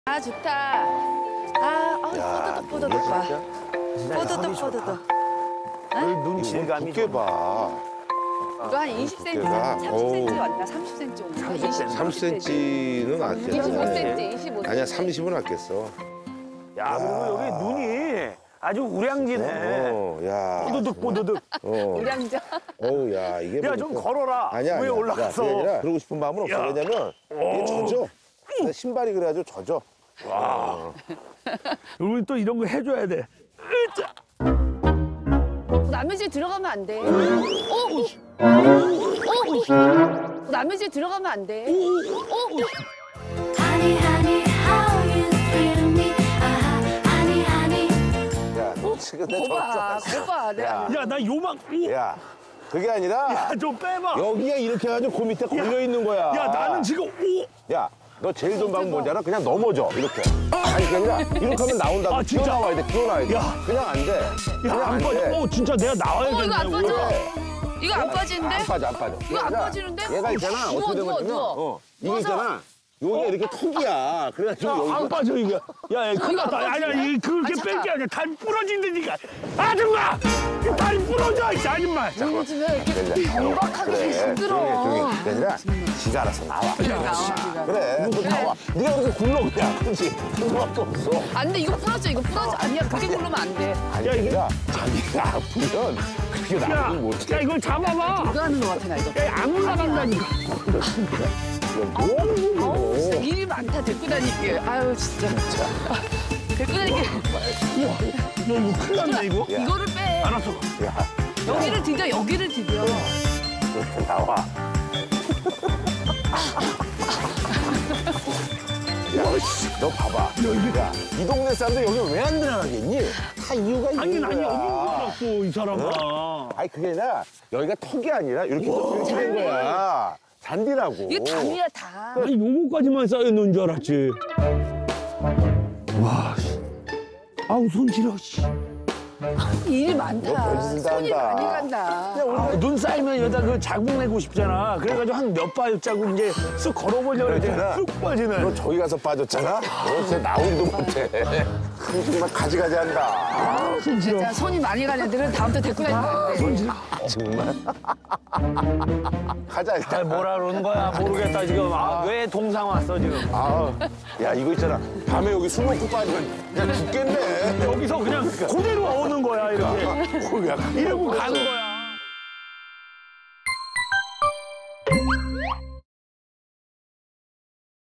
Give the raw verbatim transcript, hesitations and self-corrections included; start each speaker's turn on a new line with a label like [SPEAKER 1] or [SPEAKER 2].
[SPEAKER 1] 아 좋다. 아, 아 뽀드득 뽀드득 봐. 뽀드득 뽀드득.
[SPEAKER 2] 눈 질감이
[SPEAKER 3] 두께 봐.
[SPEAKER 1] 이거 한 이십 센티미터,
[SPEAKER 3] 두께가,
[SPEAKER 1] 삼십 센티미터 왔나? 삼십 센티미터 온가?
[SPEAKER 3] 삼십 센티미터는 아꼈어.
[SPEAKER 1] 이십오 센티미터, 이십오 센티미터.
[SPEAKER 3] 아니야, 삼십은 아꼈어.
[SPEAKER 2] 야, 그리고 여기 눈이 아주 우량지네.
[SPEAKER 3] 어, 야.
[SPEAKER 2] 뽀드득 뽀드득.
[SPEAKER 3] 어.
[SPEAKER 1] 우량자.
[SPEAKER 3] 어우, 야, 이게.
[SPEAKER 2] 야, 좀
[SPEAKER 3] 보니까-
[SPEAKER 2] 걸어라.
[SPEAKER 3] 아니야,
[SPEAKER 2] 위에
[SPEAKER 3] 아니야.
[SPEAKER 2] 올라가서.
[SPEAKER 3] 야, 그게 아니라 그러고 싶은 마음은 없어.
[SPEAKER 2] 야.
[SPEAKER 3] 왜냐면 이게 젖어. 내 신발이 그래가지고 젖어.
[SPEAKER 2] 와. 우리 또 이런 거 해줘야 돼. 으짜.
[SPEAKER 1] 남의 집 들어가면 안 돼. 어? 어? 어? 남의 집 들어가면 안 돼. 어?
[SPEAKER 4] Honey, honey, how you thrill me? Ah, honey, honey.
[SPEAKER 3] 야, 너 지금 내
[SPEAKER 1] 거봐,
[SPEAKER 3] 젖어.
[SPEAKER 1] 거봐. 내가
[SPEAKER 3] 야.
[SPEAKER 2] 야, 나 요만. 오.
[SPEAKER 3] 야, 그게 아니라
[SPEAKER 2] 야, 좀 빼봐.
[SPEAKER 3] 여기가 이렇게 해가지고 그 밑에 걸려 있는 거야.
[SPEAKER 2] 야, 나는 지금 오.
[SPEAKER 3] 야, 너 제일 좋은 방법 뭔지 알아? 그냥 넘어져, 이렇게. 아니, 그게 아니라 이렇게 하면 나온다고.
[SPEAKER 2] 아, 진짜?
[SPEAKER 3] 기어나와야 돼, 기어나와야 돼.
[SPEAKER 2] 야.
[SPEAKER 3] 그냥 안 돼.
[SPEAKER 2] 야,
[SPEAKER 3] 그냥
[SPEAKER 2] 안
[SPEAKER 3] 안
[SPEAKER 2] 빠져.
[SPEAKER 3] 돼.
[SPEAKER 2] 오, 진짜 내가 나와야겠네.
[SPEAKER 1] 어, 이거 안 빠져.
[SPEAKER 3] 왜?
[SPEAKER 1] 이거 안 빠지는데?
[SPEAKER 3] 안 빠져, 안 빠져.
[SPEAKER 1] 이거 안
[SPEAKER 3] 그러니까
[SPEAKER 1] 빠지는데?
[SPEAKER 3] 얘가 있잖아,
[SPEAKER 1] 누워,
[SPEAKER 3] 어떻게
[SPEAKER 1] 누워,
[SPEAKER 3] 되냐면,
[SPEAKER 1] 누워.
[SPEAKER 3] 어, 이게
[SPEAKER 1] 누워서.
[SPEAKER 3] 있잖아. 여기가 이렇게 턱이야. 그래가지고
[SPEAKER 2] 야,
[SPEAKER 3] 여기가.
[SPEAKER 2] 안 빠져, 이거. 야, 야, 큰일 났다. 아니야, 이 그렇게
[SPEAKER 1] 아,
[SPEAKER 2] 뺄 게 아니라 다리 부러진다니까. 아줌마! 이 다리 부러져, 이 아줌마.
[SPEAKER 1] 우리 집에 이렇게 경박하게
[SPEAKER 3] 그래,
[SPEAKER 1] 힘들어.
[SPEAKER 3] 조용히, 조용히. 그게 아니라 지가 알아서 나와. 그래, 너 나와. 네가 그렇게 굴러 그냥. 그렇지. 그거밖에 없어.
[SPEAKER 1] 안 돼, 이거 부러져, 이거 부러져. 아니야, 그렇게 굴르면 안 돼.
[SPEAKER 3] 아니,
[SPEAKER 2] 야, 이게-
[SPEAKER 3] 그러니까 자기가 아프면 그게
[SPEAKER 2] 야,
[SPEAKER 3] 나오긴 못해.
[SPEAKER 2] 야, 이걸 잡아봐.
[SPEAKER 1] 이거 하는 거 같아, 나 이거.
[SPEAKER 2] 야, 안 올라간다니까.
[SPEAKER 3] 뭐 하는 거야,
[SPEAKER 1] 아우, 진짜
[SPEAKER 3] 이거.
[SPEAKER 1] 일이 많다, 데리고 다니게. 아유, 진짜. 데리고 다니게.
[SPEAKER 2] 우와, 너 이거 큰일 났네, 이거.
[SPEAKER 3] 야.
[SPEAKER 1] 이거를 빼.
[SPEAKER 2] 알았어.
[SPEAKER 3] 야,
[SPEAKER 1] 여기를 디뎌, 여기를 디뎌.
[SPEAKER 3] 이렇게 나와. 야, 너 봐봐. 야, 이 동네 사람들 여기 왜 안 들어가겠니? 다 이유가
[SPEAKER 2] 아니,
[SPEAKER 3] 있는
[SPEAKER 2] 아니,
[SPEAKER 3] 거야.
[SPEAKER 2] 여기 올랐어, 이 사람아.
[SPEAKER 3] 아니, 그게 아니라 여기가 턱이 아니라 이렇게 이렇게 된 거야. 잔디라고.
[SPEAKER 1] 이게 담이야, 다.
[SPEAKER 2] 아니, 요거까지만 쌓여놓은 줄 알았지. 와, 씨. 아우, 손 시려, 씨.
[SPEAKER 1] 일이
[SPEAKER 3] 너
[SPEAKER 1] 많다.
[SPEAKER 3] 별짓 다
[SPEAKER 1] 손이
[SPEAKER 3] 한다.
[SPEAKER 1] 많이 간다.
[SPEAKER 2] 아, 눈 쌓이면 여기다 그 자국 내고 싶잖아. 그래가지고 한 몇 발자국 이제 쓱 걸어보려고 했더니
[SPEAKER 3] 그랬잖아.
[SPEAKER 2] 쑥 빠지네.
[SPEAKER 3] 너 저기 가서 빠졌잖아? 너 진짜 나오지도 못해. 그 정말 가지가지 한다.
[SPEAKER 2] 아, 손 시려.
[SPEAKER 1] 진짜 손이 많이 간 애들은 다음부터 데리고 다니면 안 돼.
[SPEAKER 2] 손 시려.
[SPEAKER 3] 정말. 가자,
[SPEAKER 2] 아,
[SPEAKER 3] 일단.
[SPEAKER 2] 뭐라 그러는 거야? 모르겠다, 지금. 아, 왜 동상 왔어, 지금?
[SPEAKER 3] 아, 야, 이거 있잖아. 밤에 여기 술 먹고 빠지면 그냥 죽겠네.
[SPEAKER 2] 여기서 그냥 그대로 오는 거야, 이렇게.
[SPEAKER 3] 어, 야,
[SPEAKER 2] 이러고 가는 거야.